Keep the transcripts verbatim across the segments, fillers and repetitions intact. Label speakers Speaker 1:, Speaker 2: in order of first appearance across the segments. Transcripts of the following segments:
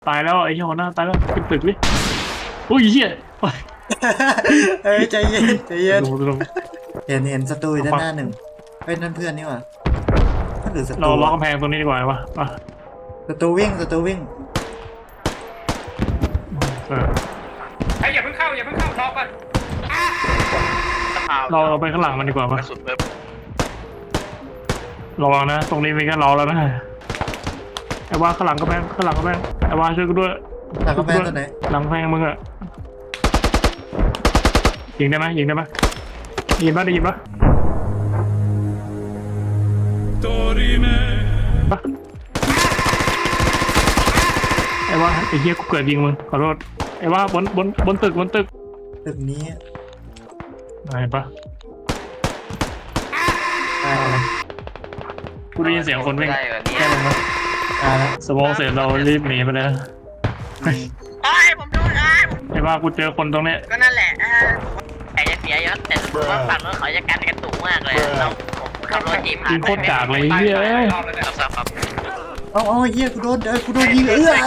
Speaker 1: ตายแล้วไอ้เหี้ยหัวหน้าตายแล้วขึ้นตึกดิอุ้ยเหี้ยไป
Speaker 2: เอ้ยใจเย็นใจเย็น
Speaker 1: ลงลง
Speaker 2: เห็นเห็นศัตรูอยู่ด้านหน้าหนึ่งเฮ้ยนั่นเพื่อนนี่หว่าถ้าหรือศัต
Speaker 1: เรา
Speaker 2: รู
Speaker 1: ล็อก
Speaker 2: อะ
Speaker 1: กำแพงตรงนี้ดีกว่าวะอ่ะ
Speaker 2: ศัตรูวิ่งศัตรูวิ่ง
Speaker 1: เออ
Speaker 3: ไอ้อย่าเพิ่งเข้าอย่าเพิ่งเข้ารอก่อน
Speaker 1: เราเราไปข้างหลังมันดีกว่าปะ
Speaker 4: กระสุนเพิ่ม
Speaker 1: ระวังนะตรงนี้มีแค่เราแล้วนะไอ้ว่าข้างหลังกำแพงข้างหลังกำแพงไอ้ว่าช่วยกูด้วย
Speaker 2: หลังกำแพงตัวไหน
Speaker 1: หลังกำแพงมึงอะยิงได้ไหมยิงได้ไหมได้ยินปะได้ยินปะปะไอ้ว่าไอ้เหี้ยกูเกิดยิงมึงขอโทษไอ้ว่าบนบนบนตึกบนตึก
Speaker 2: ตึกนี้
Speaker 1: เห็นปะ
Speaker 2: ตายแล้ว
Speaker 1: กูได้ยินเสียงคนวิ่ง
Speaker 4: ได้เหรอเนี่ย
Speaker 1: แค่ลงมา
Speaker 2: ตายแล้ว
Speaker 1: สมองเสร็จเรารีบหนีไปเลยนะ
Speaker 4: ไอ้ผมโดนไอ้
Speaker 1: ไอ้ว่ากูเจอคนตรงเนี้ย
Speaker 4: ก็นั่นแหละไอ้จะเสียยศแต่รู้ว่าฝั่งนู้นเขาจะกันกันสูงมากเลยเราผมขับรถจีบผ่า
Speaker 1: ยิ
Speaker 4: น
Speaker 1: งโคตรกากเลยไอ้เหี้ยเอ้ย
Speaker 3: รอบแล้วเนี่ย
Speaker 4: ครับครับ
Speaker 2: เอาเอาเฮียกูโดนเอ้ยกูโดนยิงเอื้อ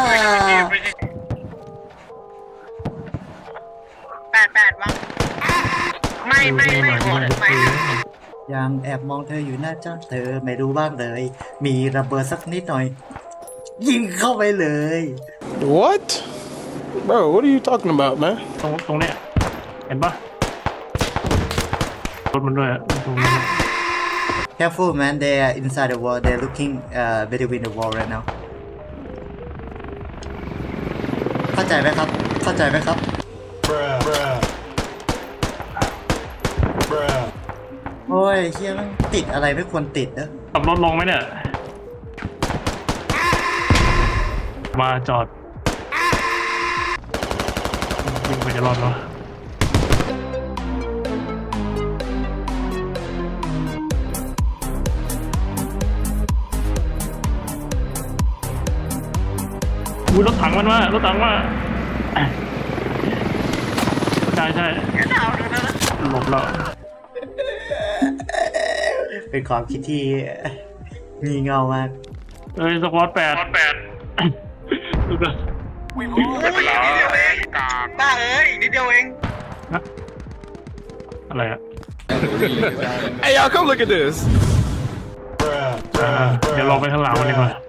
Speaker 4: แปดแปดวังไม่ไม่ไม่โหดไม่
Speaker 2: ยังแอบมองเธออยู่หน้าจ้าเธอไม่รู้บ้างเลย มีระเบิดสักนิดหน่อย ยิงเข้าไปเลย
Speaker 5: What? Bro, what are you talking about, man?
Speaker 1: ตรงตรงเนี้ยเห็นปะรถมันด้วยอะตรงนี้
Speaker 2: Careful man they are inside the wall they're looking uh between the wall right now เข้าใจไหมครับ เข้าใจไหมครับ โอ้ยเฮียมันติดอะไรไม่ควรติดนะ
Speaker 1: ขับรถลงไหมเนี่ยมาจอดยิงไปจะรอดเหรออุ้ยรถถังมันมารถถังมาใช่ใช่หลบแล้ว
Speaker 2: เป็นความคิดที่งี่เง่ามาก
Speaker 1: เอ้ยสควอตแปดแปดดูกัน
Speaker 4: บ้าเอ้ยนิดเดียวเอง
Speaker 1: อะไรอะ
Speaker 5: Hey, y'all, come look at this.
Speaker 1: อ่าเดี๋ยวลองไปข้างหลังมันดีกว่า